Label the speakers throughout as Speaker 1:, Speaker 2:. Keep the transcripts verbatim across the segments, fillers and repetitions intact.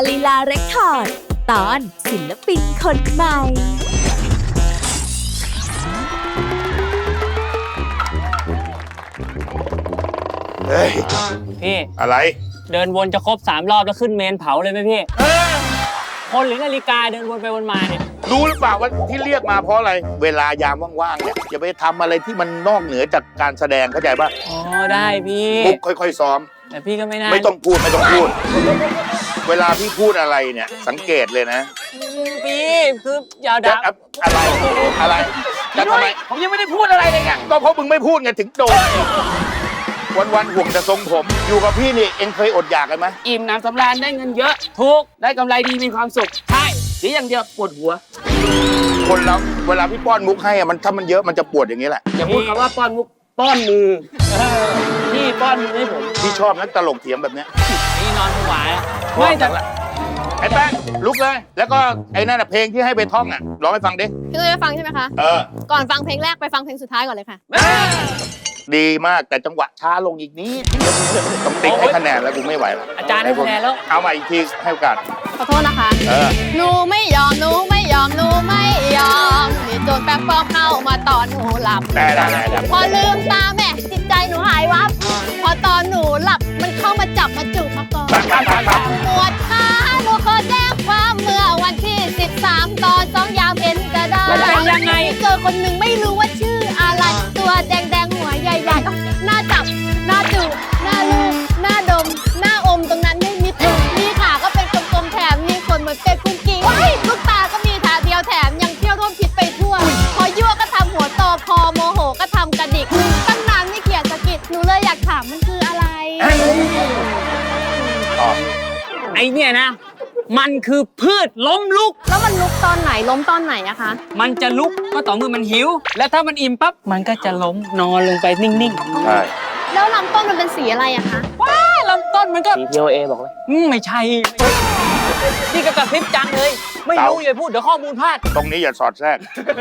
Speaker 1: ลีลาเรคคอร์ดตอนศิลปินคนใหม่
Speaker 2: เฮ้ย
Speaker 3: พี่
Speaker 2: อะไร
Speaker 3: เดินวนจะครบสามรอบแล้วขึ้นเมนเผาเลยไหมพี่คนหรือนาฬิกาเดินวนไปวนมาเนี่ย
Speaker 2: รู้หรือเปล่าว่าที่เรียกมาเพราะอะไรเวลายามว่างๆเนี่ยอย่าไปทำอะไรที่มันนอกเหนือจากการแสดงเข้าใจป่ะ
Speaker 3: อ๋อได้พี่
Speaker 2: ปุ๊บค่อยๆซ้อม
Speaker 3: แต่พี่ก็ไม่น่า
Speaker 2: ไม่ต้องพูดไม่ต้องพูด เวลาพี่พูดอะไรเนี่ยสังเกตเลยนะ
Speaker 3: พี่คืออย่าด่า
Speaker 2: อะไรอะไรจะทำไม
Speaker 3: ผมยังไม่ได้พูดอะไรเลยไง
Speaker 2: ก็เพราะมึงไม่พูดไงถึงโดนวันๆห่วงแต่ทรงผมอยู่กับพี่นี่เอ็งเคยอดอยากกันไหม
Speaker 3: อิ่มน้ำสำราญได้เงินเยอะถูกได้กำไรดีมีความสุขใช่เสียอย่างเดียวปวดหัว
Speaker 2: คนเราเวลาพี่ป้อนมุกให้อะมันถ้ามันเยอะมันจะปวดอย่างนี้แหละ
Speaker 3: อย่าพูดคำว่าป้อนมุกป้อนมือพี่ป้อนมือให้ผม
Speaker 2: พี่ชอบนักตลกเถียงแบบเนี้ย
Speaker 3: พี่นอนหวายไม่แต่
Speaker 2: ไอ้แป้งลุกเลยแล้วก็ไอ้นั่นน่ะเพลงที่ให้ไปท่องอ่ะร้องให้ฟังดิ
Speaker 4: พี่ตุ้ยจะฟังใช่ไหมคะ
Speaker 2: เออ
Speaker 4: ก่อนฟังเพลงแรกไปฟังเพลงสุดท้ายก่อนเลยค่ะ
Speaker 2: ดีมากแต่จังหวะช้าลงอีกนิดต้องติ๊กให้คะแนนแล้วกูไม่ไหวแล้ว
Speaker 3: อาจารย์ให้คะแนนแล้ว
Speaker 2: เอามาอีกทีให้โอกาส
Speaker 4: ขอโทษนะคะ
Speaker 2: เออ
Speaker 4: หนูไม่ยอมหนูไม่ยอมหนูไม่ยอมนี่โจรแป๊บปลอมเข้ามาตอนหนูหลับ
Speaker 2: ได้ได้ได้
Speaker 4: พอลืมตาแม่จิตใจหนูหายวับพอตอนหนูหลับมันเข้ามาจับมาจูบมาก่อนปวดขาหนูขอแจ้งความเมื่อวันที่สิบสามตอนสองยามเห็นกระดาษ
Speaker 3: ยังไง
Speaker 4: เจอคนหนึ่งไม่รู้ว่าชื่ออะไรตัวแดงแดงหัวใหญ่ๆหน้าจับหน้าจูบหน้าลูบหน้าดมหน้าอมตรงนั้นไม่มีตุ่มมีขาก็เป็นกลมๆแถมมีขนเหมือนเป็ดกุ้งกิ้งลูกตาก็มีขาเดียวแถมยังเที่ยวร่วมพิษไปทั่วพอยั่วก็ทำหัวโตพอโมโหก็ทำกระดิกตั้งนานไม่เขียนสะกิดหนูเลยอยากถามมันคืออะไร
Speaker 3: ไอเนี่ยนะมันคือพืชล้มลุก
Speaker 4: แล้วมันลุกตอนไหนล้มตอนไหนอะคะ
Speaker 3: มันจะลุกก็ต่อเมื่อมันหิวและถ้ามันอิ่มปั๊บมันก็จะล้มนอนลงไปนิ่ง
Speaker 2: ๆใช่
Speaker 4: แล้วลำต้นมันเป็นสีอะไรอะคะ
Speaker 3: ว้าลำต้นมันก็สี ที โอ เอ บอกเลยไม่ใช่นี่ก็กระพริบจังเลยไม่รู้อย่าพูดเดี๋ยวข้อมูลพลาด
Speaker 2: ตรงนี้อย่าสอดแทรก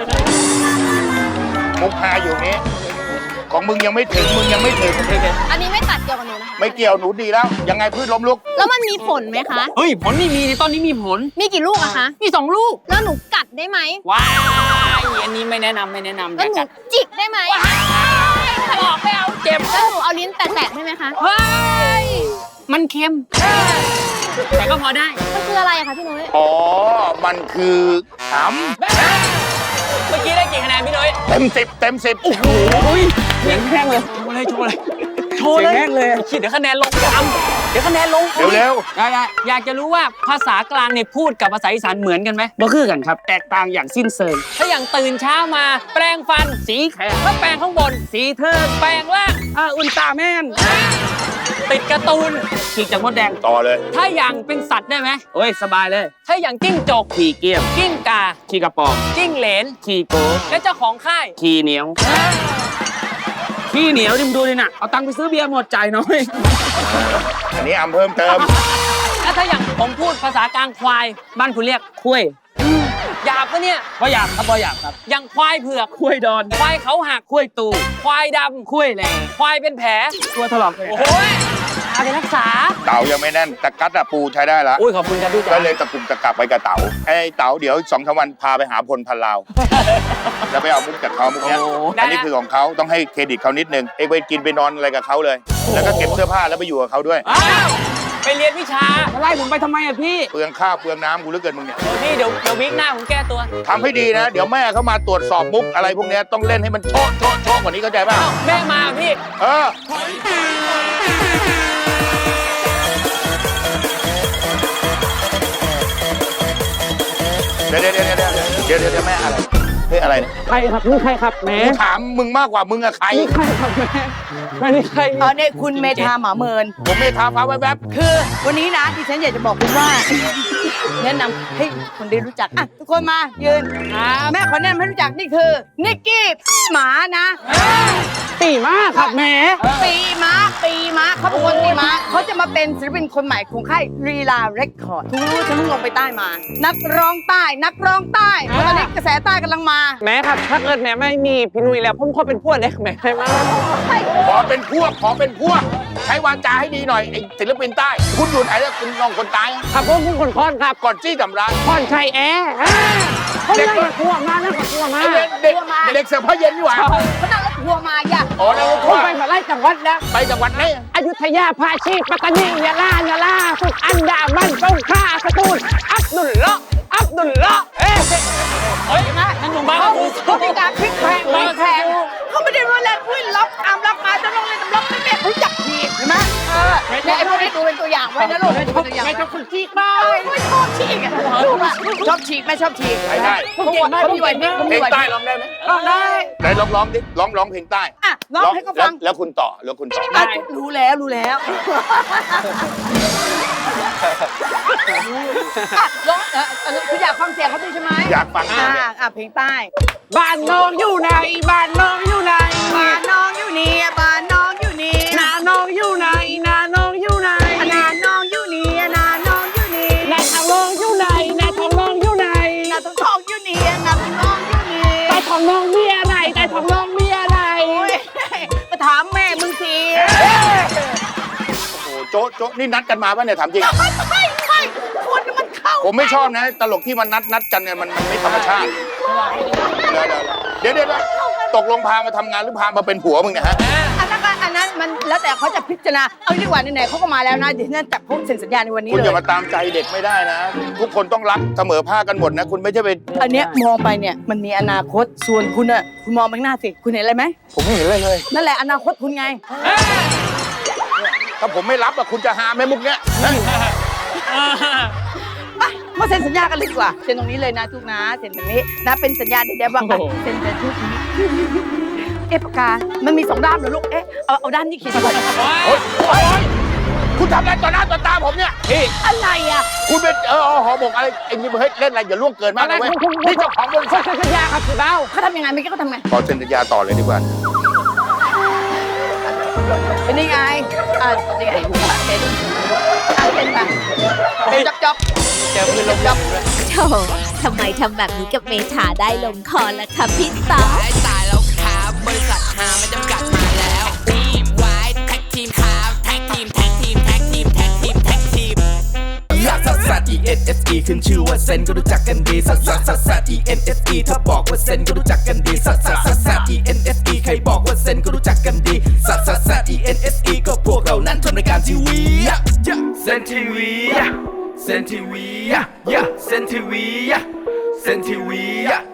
Speaker 2: มุกฮาอยู่นี้ของมึงยังไม่ถึงมึงยังไม่ถึง
Speaker 4: อันนี้ไม่ตัดเกี่ยวกับหนูนะคะ
Speaker 2: ไม่เกี่ยวหนูดีแล้วยังไงพืชล้มลุก
Speaker 4: แล้วมันมีผลไหมคะ
Speaker 3: เฮ้ยผลไม่มีในต้นนี้มีผล
Speaker 4: มีกี่ลูกอะคะ
Speaker 3: มีสองลูก
Speaker 4: แล้วหนูกัดได้ไหม
Speaker 3: ว้ายอันนี้ไม่แนะนำไม่แนะนำ
Speaker 4: แล้วหนูจิกได้ไหม
Speaker 3: ถลอกไม่เอาเจ็บ
Speaker 4: แล้วหนูเอาลิ้นแตะๆได้ไหมคะ
Speaker 3: เฮ้ยมันเค็มแต่ก็พอได้
Speaker 4: มันคืออะไรอะคะพี่นุ้ย
Speaker 2: อ๋อมันคือหำ
Speaker 3: เมื่อกี้ได้กี่คะแนนพี่นุ้ย
Speaker 2: เต็มสิบเต็มสิบ
Speaker 3: โอ้โหเสียงแห้งเลยโชว์เลยโชว์เลยโชว์เลยแห้งเลยคิดเดี๋ยวคะแนนลงจำเดี๋ยวคะแนนลง
Speaker 2: เร็ว
Speaker 3: ๆได้ๆอยากจะรู้ว่าภาษากลางเนี่ยพูดกับภาษาอีสานเหมือนกันไหมบ่คือกันครับแตกต่างอย่างสิ้นเชิงถ้าอย่างตื่นเช้ามาแปรงฟันสีแขกแล้วแปรงข้างบนสีเทิงแปรงล่างอ่าอุลตร้าแมนติดการ์ตูนขีดจากมดแดง
Speaker 2: ต่อเลย
Speaker 3: ถ้าอย่างเป็นสัตว์ได้ไหมโอ้ยสบายเลยถ้าอย่างจิ้งจกขี่เกี้ยมกิ้งกาขี่กระป๋องจิ้งเหลนขี่โกและเจ้าของค่ายขี่เหนียวขี้เหนียวดิมดูดิน่ะเอาตังค์ไปซื้อเบียร์หมดจ่ายน้อย
Speaker 2: อันนี้อำเพิ่มเติม
Speaker 3: แล้วถ้าอย่างผมพูดภาษากลางควายบ้านคุณเรียกคุ้ยหยาบปะเนี่ย
Speaker 5: บ่หยาบครับบ่หยาบครับ
Speaker 3: อย่างควายเผือก
Speaker 5: คุ้ยดอน
Speaker 3: ควายเขาหัก
Speaker 5: คุ้ยตู
Speaker 3: ควายดำ
Speaker 5: คุ้ยแหล่
Speaker 3: ควายเป็นแผล
Speaker 5: ตัวถลอกเลย
Speaker 3: โอ้โหเอาไปรักษา
Speaker 2: เต๋ายังไม่แน่นแต่กัดอะปูใช้ได้ละ
Speaker 3: อุ้ยขอบคุณครับพี่
Speaker 2: ก็เลยตะกุ่มตะกักไปกับเต๋าไอ้เต๋าเดี๋ยวสองสามวันพาไปหาพลพันลาวแล้วไปเอามุกจากเขามุกเนี้ยอันนี้คือของเขาต้องให้เครดิตเขานิดนึงเอ้ไปกินไปนอนอะไรกับเขาเลยแล้วก็เก็บเสื้อผ้าแล้วไปอยู่กับเขาด้วย
Speaker 3: ไปเรียนวิชา
Speaker 5: ไล่ผมไปทำไมอะพี่
Speaker 2: เปลืองข้าวเปลืองน้ำกูเหลือเกินมึงเนี่ย
Speaker 3: พี่เดี๋ยวเดี๋ยววิกหน้าผมแก้ตัว
Speaker 2: ทำให้ดีนะเดี๋ยวแม่เขามาตรวจสอบมุกอะไรพวกนี้ต้องเล่นให้มันโชะโชะโชะกว่านี้เข้าใจป่ะ
Speaker 3: แม่มาพี่
Speaker 2: เออเดี๋ยวเดี๋ยวเดี๋ยวเดี๋ยวเดี๋ยวเดี๋ยวแม่อะไรเฮ้ยอะไรเนี่ย
Speaker 5: ใครครับนี่ใครครับแม่
Speaker 2: ถามมึงมากกว่ามึงอะใคร
Speaker 5: นี่ใครครับแม่ไม่นี่ใคร
Speaker 6: อ๋อเนี่ยคุณเมธาหมาเมิน
Speaker 2: ผมเมธาฟ้าแวบ
Speaker 6: ๆคือวันนี้นะดิฉันอยากจะบอกคุณว่าแนะนำให้คนได้รู้จักอ่ะทุกคนมายืนแม่ขอแนะนำให้รู้จักนี่คือนิกกี้หมานะ
Speaker 5: ปีม้าครับแม่
Speaker 6: ปีม้าปีม้าเขาเป็นคนปีม้าเขาจะมาเป็นศิลปินคนใหม่ของค่ายลีลาเรคคอร์ดทุกรู้ฉันเพิ่งลงไปใต้มา นักร้องใต้นักร้องใต้ตอนนี้กระแสใต้กำลังมา
Speaker 5: แม่ครับถ้าเกิดแม่ไม่มีพี่นุ้ยแล้วผมขอเป็นพวกเล็กแม่ได้ไหม
Speaker 2: ขอเป็นพวกขอเป็นพวกใช้วาจาให้ดีหน่อยไอ้ศิลปินใต้ คุณอยู่ไหนแล้วคุณน้องคนตาย
Speaker 5: ครับผมคุณคนคอนครับ
Speaker 2: ก่อนจี้ทำร้าย
Speaker 5: คอนชัยแอร์อ่าเขาเลยกับทัวร์มานะกับทัวร์มา
Speaker 2: ไอ้เด็กเด็กเด็กเสิร์ฟผ้าเย็นนี่หว่า
Speaker 6: เขานั่งรถทัวร์มาอย่า
Speaker 2: อ๋อแล้ว
Speaker 5: ผมไปมาไล่จังหวัดแล้ว
Speaker 2: ไปจังหวัดไหน
Speaker 5: อยุธยาภาชีปัตตานียะลายะลาสุดอันดามันสงขลาสตูลอับดุลละอับดุลละเอ๊ะ
Speaker 3: เฮ้ยนะนั่นหนุ่มบ้า
Speaker 6: เขา
Speaker 3: กู
Speaker 6: เขามีการพลิกแพลงพลิกแพลงเขาไม่ได้รู้แรงวิ่งล็อกตามล็อกมาจะลงเลยตำล็อกไม่แม่เขาจับทีเห็นไหมเออเนี่ยไอ้พวกนี้ดูเป็นตัวอย่างไว้นะลูกเป็นตัวอย่าง
Speaker 5: ไม่
Speaker 6: ไว้
Speaker 5: ชอบคุณจีกบ้า
Speaker 6: ไม่ชอบฉีกอ่ะลูกอ่ะชอบฉีกไม่ชอบฉีก
Speaker 2: ไปได้
Speaker 6: เขาเขามีไหวพริบเขา
Speaker 2: เพล
Speaker 6: มี
Speaker 2: ง
Speaker 6: ไหวพ
Speaker 2: ใต้
Speaker 6: ริบ
Speaker 2: ร้องได้ไหม
Speaker 6: ร้องได้
Speaker 2: ไหนร้องร้องดิร้องร้องเพลงใต้
Speaker 6: อ่ะร้องให้เขาฟัง
Speaker 2: แล้วแล้วคุณต่อแล้วคุณต่อ
Speaker 6: อ่ะรู้แล้วรู้แล้วอ่ะร้องเออเออคืออยากฟังเสียงเขาด้วยใช่ไหม
Speaker 2: อยากฟัง
Speaker 6: อ่าอ่ะเพลงใต้
Speaker 5: บ้านน้องอยู่ไหนบ้านน้องอยู่ไหน
Speaker 6: บ้านน้องอยู่นี่บ้านน้องอยู่นี่
Speaker 5: นาน้องอยู่ไหนนาน้องอยู่ไหน
Speaker 6: นาน้องอยู่นี่นาน้องอยู่นี่
Speaker 5: นาทองน้องอยู่ไหนนาทองน้องอยู่ไหน
Speaker 6: นาทองทองอยู่นี่นาทองทองอยู่นี่
Speaker 5: แต่ทองน้องมีอะไรแต่ทองน้องมีอะไร
Speaker 6: โอ้ยมาถามแม่มึงสิ
Speaker 2: โอ้โหโจ๊ะโจ๊ะนี่นัดกันมาป่ะเนี่ยถามจริง
Speaker 6: ไม่ไม่ไม่คุณมันเข้า
Speaker 2: ผมไม่ชอบนะ ตลกที่มันนัดนัดกันเนี่ยมันมันไม่ธรรมชาติ เดี๋ยวเดี๋ยวเดี๋ยวเดี๋ยวตกลงพามาทำงานหรือพามาเป็นผัวมึงเนี่ยฮะ
Speaker 6: อันนั้นก็อันนั้นมันแล้วแต่เขาจะพิจารณาเอาดีกว่าไหนๆเขาก็มาแล้วนะเดี๋ยวฉันจับพวกเซ็นสัญญาในวันนี้
Speaker 2: คุณ
Speaker 6: เล
Speaker 2: อย่าย มาตามใจเด็กไม่ได้นะ ทุกคนต้องรักเสมอภาคกันหมดนะ คุณไม่ใช่ไป
Speaker 6: อันเนี้ยมองไปเนี่ยมันมีอนาคตส่วนคุณอะคุณมองไปข้างหน้าสิคุณเห็นอะไรไหม
Speaker 2: ผมไม่เห็นอะไรเลย
Speaker 6: นั่นแหละอนาคตคุณไง
Speaker 2: ถ้าผมไม่รับอะคุณจะหาแม่มุกเนี้ยนะ
Speaker 6: ไปมาเซ็นสัญญากันเลยดีกว่าเซ็นตรงนี้เลยนะทุกนะเซ็นตรงนี้นะเป็นสัญญาเดี๋ยวๆว่าไปเซ็นแต่ทุกนี้เอ๊ะปากกา มันมีสองด้านเหรอลูกเอ๊ะเอาเอาด้านนี้เขียนไว้
Speaker 2: โอ๊ยโอ๊ยคุณทำอะไรต่อหน้าต่อตาผมเนี่ยพี่
Speaker 6: อะไรอ่ะ
Speaker 2: คุณเป็นเออเอาหอบอกอะไรไอ้นี่เฮ้ยเล่นอะไรอย่าล่วงเกินมากนะเว้ยนี่เจ้าของบริ
Speaker 5: ขอ
Speaker 2: ษัท
Speaker 5: เซ็นสัญญาครับพี่เบ้า
Speaker 6: เขาทำยังไงเมื่อกี้เขาทำไง
Speaker 2: ขอเซ็นสัญญาต่อเลยดีกว่า
Speaker 6: เป็นยังไงอ่าเป็นยังไงเซ็นอ่าเซ็นไปจ๊อบจ๊อบ
Speaker 3: เจอมือลง
Speaker 6: จ๊อบ
Speaker 1: โธ่ทำไมทำแบบนี้กับเมธาได้ลงคอล่ะคะพี่ต๊อก
Speaker 7: ตายตายแล้วครับบริษัทหาไม่จำกัดมาแล้วทีมไว้แท็กทีมครับแท็กทีมแท็กทีมแท็กทีมแท็กทีมแท็กทีม
Speaker 8: ลักซัสซัส E N S E ขึ้นชื่อว่าเซนก็รู้จักกันดีซัสซัสซัสซัส E N S E ถ้าบอกว่าเซนก็รู้จักกันดีซัสซัสซัสซัส E N S E ใครบอกว่าเซนก็รู้จักกันดีซัสซัสซัส E N S E ก็พวกเรานั้นทำรายการทีวีเซนทีวีเซนทีวีเซนทีวีเซนทีวี